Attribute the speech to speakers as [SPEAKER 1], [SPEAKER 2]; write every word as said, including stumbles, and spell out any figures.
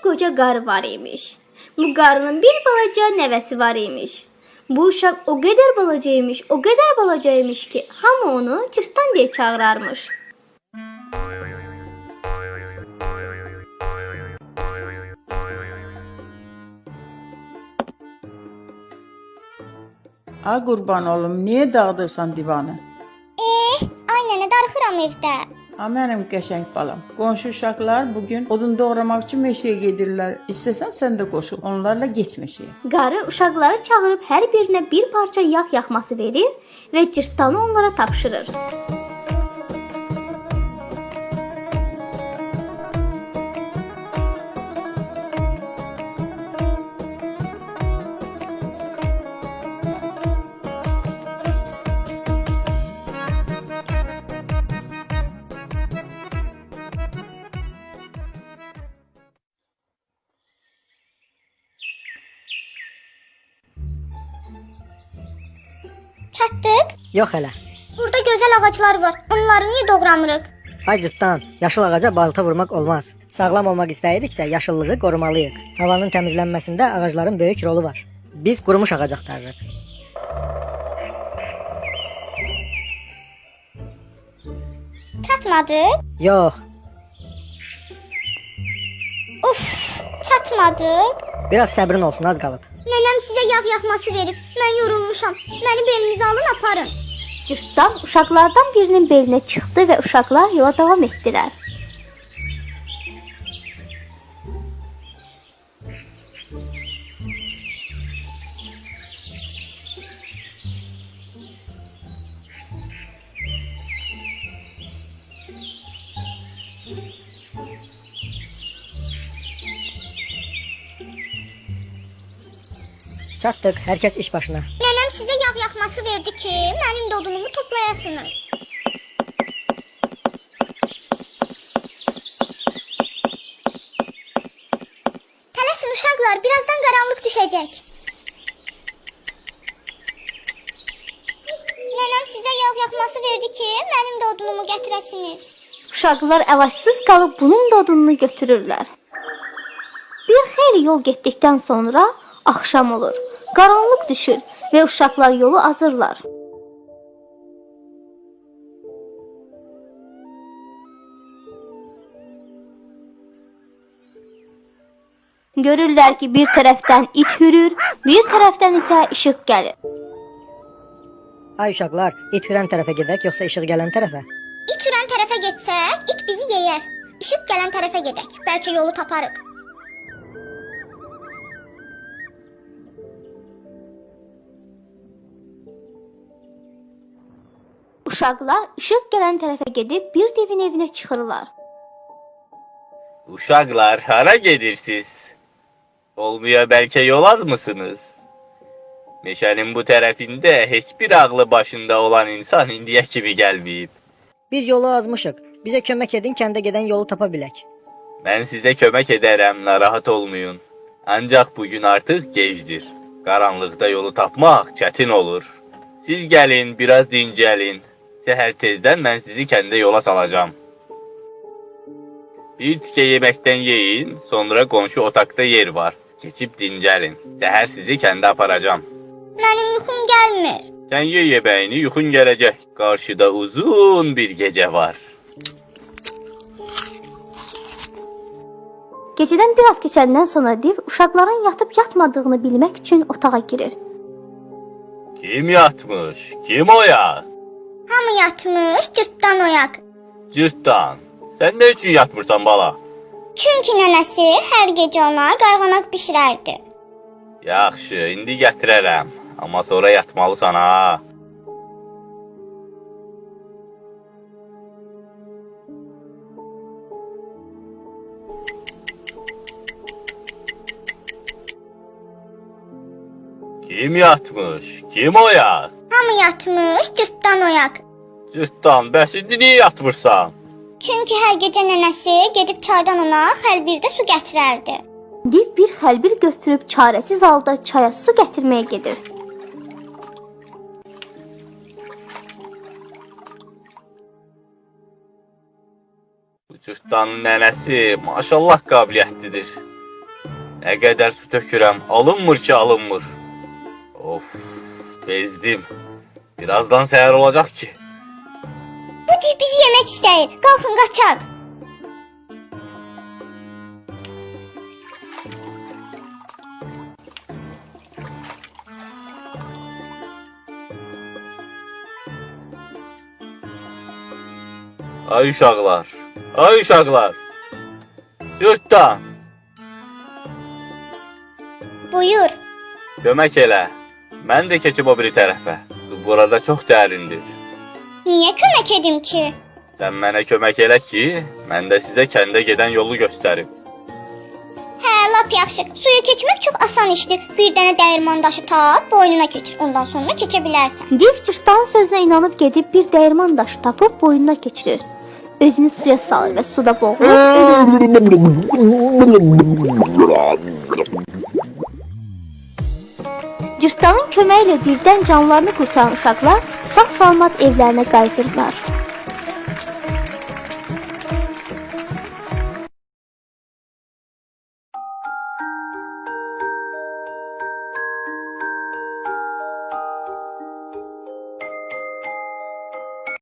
[SPEAKER 1] qoca qarı var imiş. Bu qarının bir balaca nəvəsi var imiş. Bu uşaq o qədər balaca imiş, o qədər balaca imiş ki, hamı onu cırtdan deyə çağırarmış.
[SPEAKER 2] A qurban olum, niyə dağıdırsan divanı?
[SPEAKER 3] Eh, ay nənə, darıxıram evdə.
[SPEAKER 2] A mənim qəşəng balam. Qonşu uşaqlar bugün odun doğramaq üçün meşəyə gedirlər. İstəsən sən də qoşul, onlarla get meşəyə.
[SPEAKER 1] Qarı uşaqları çağırıb hər birinə bir parça yağ yaxması verir və cırtdanı onlara tapşırır.
[SPEAKER 3] Çatdıq?
[SPEAKER 4] Yox hələ.
[SPEAKER 3] Burada gözəl ağaclar var. Onları niyə doğramırıq?
[SPEAKER 4] Ay cırtdan, yaşıl ağaca balta vurmaq olmaz. Sağlam olmaq istəyiriksə yaşıllığı qorumalıyıq. Havanın təmizlənməsində ağacların böyük rolu var. Biz qurumuş ağac axtarırıq.
[SPEAKER 3] Çatmadı?
[SPEAKER 4] Yox,
[SPEAKER 3] Uf, çatmadıq.
[SPEAKER 4] biraz səbrin olsun, az qalıb.
[SPEAKER 3] Nənəm sizə yağ yaxması verib. Mən yorulmuşam. Məni belinizə alın, aparın.
[SPEAKER 1] Cırtdan uşaqlardan birinin belinə çıxdı və uşaqlar yola davam etdilər.
[SPEAKER 4] Çatdıq, hər kəs iş başına.
[SPEAKER 3] Nənəm sizə yağ yaxması verdi ki, mənim də odunumu toplayasınız. Tələsin uşaqlar, birazdan qaranlıq düşəcək. Nənəm sizə yağ yaxması verdi ki, mənim də odunumu gətirəsiniz.
[SPEAKER 1] Uşaqlar əlacsız qalıb bunun da odununu götürürlər. Bir xeyli yol getdikdən sonra axşam olur. Qaranlıq düşür və uşaqlar yolu azırlar. Görürlər ki, bir tərəfdən it hürür, bir tərəfdən isə işıq gəlir.
[SPEAKER 4] Ay uşaqlar, it hürən tərəfə gedək, yoxsa işıq gələn tərəfə?
[SPEAKER 3] İt hürən tərəfə getsək, it bizi yeyər. İşıq gələn tərəfə gedək, bəlkə yolu taparıq.
[SPEAKER 1] Uşaqlar işıq gələn tərəfə gedib bir devin evinə çıxırlar.
[SPEAKER 5] Uşaqlar, hara gedirsiniz? Olmuya bəlkə yol azmısınız? Meşənin bu tərəfində heç bir ağlı başında olan insan indiyə kimi gəlməyib.
[SPEAKER 4] Biz yolu azmışıq. Bizə kömək edin, kəndə gedən yolu tapa bilək.
[SPEAKER 5] Mən sizə kömək edərəm, narahat olmayın. Ancaq bugün artıq gecdir. Qaranlıqda yolu tapmaq çətin olur. Siz gəlin, biraz dincəlin. Səhər tezdən mən sizi kəndə yola salacağam. Bir tikə yeməkdən yeyin, sonra qonşu otaqda yer var. Keçib dincəlin. Səhər sizi kəndə aparacağam.
[SPEAKER 3] Mənim yuxum gəlmir.
[SPEAKER 5] Sən ye yeməyini, yuxun gələcək. Qarşıda uzun bir gecə var.
[SPEAKER 1] Gecədən biraz keçəndən sonra div uşaqların yatıb yatmadığını bilmək üçün otağa girir.
[SPEAKER 5] Kim yatmış? Kim oyaq?
[SPEAKER 3] Hamı yatmış, cırtdan oyaq.
[SPEAKER 5] Cırtdan, sən nə üçün yatmırsan bala?
[SPEAKER 3] Çünki nənəsi hər gecə ona qayğanaq bişirərdi.
[SPEAKER 5] Yaxşı, indi gətirərəm. Amma sonra yatmalısan ha. Kim yatmış? Kim oyaq?
[SPEAKER 3] Hamı yatmış, cırtdan oyaq.
[SPEAKER 5] Cırtdan, bəs indi niyə yatmırsan?
[SPEAKER 3] Çünki hər gecə nənəsi gedib çaydan ona xəlbirdə su gətirərdi.
[SPEAKER 1] Div bir xəlbir götürüb çarəsiz halda çaya su gətirməyə gedir.
[SPEAKER 5] Bu cırtdanın nənəsi maşallah qabiliyyətlidir. Nə qədər su tökürəm, alınmır ki, alınmır. Of, bezdim. Birazdan səhər olacaq ki.
[SPEAKER 3] Bu cib bizi yemək istəyir. Qalxın, qaçaq.
[SPEAKER 5] Ay uşaqlar, ay uşaqlar. Cırtdan,
[SPEAKER 3] Buyur.
[SPEAKER 5] kömək elə. Mən də keçib o biri tərəfə. Su burada çox dərindir.
[SPEAKER 3] Niyə kömək edim ki?
[SPEAKER 5] Sən mənə kömək elə ki, mən də sizə kəndə gedən yolu göstərim.
[SPEAKER 3] Hə, lap yaxşı. Suya keçmək çox asan işdir. Bir dənə dəyirman daşı tap, boynuna keçir. Ondan sonra keçə bilərsən.
[SPEAKER 1] Div cırtdanın sözünə inanıb gedib bir dəyirman daşı tapıb boynuna keçirir. Özünü suya salır və suda boğulur. Cırtdanın köməyi ilə divdən canlarını qurtaran uşaqlar sağ-salamat evlərinə qayıdırlar.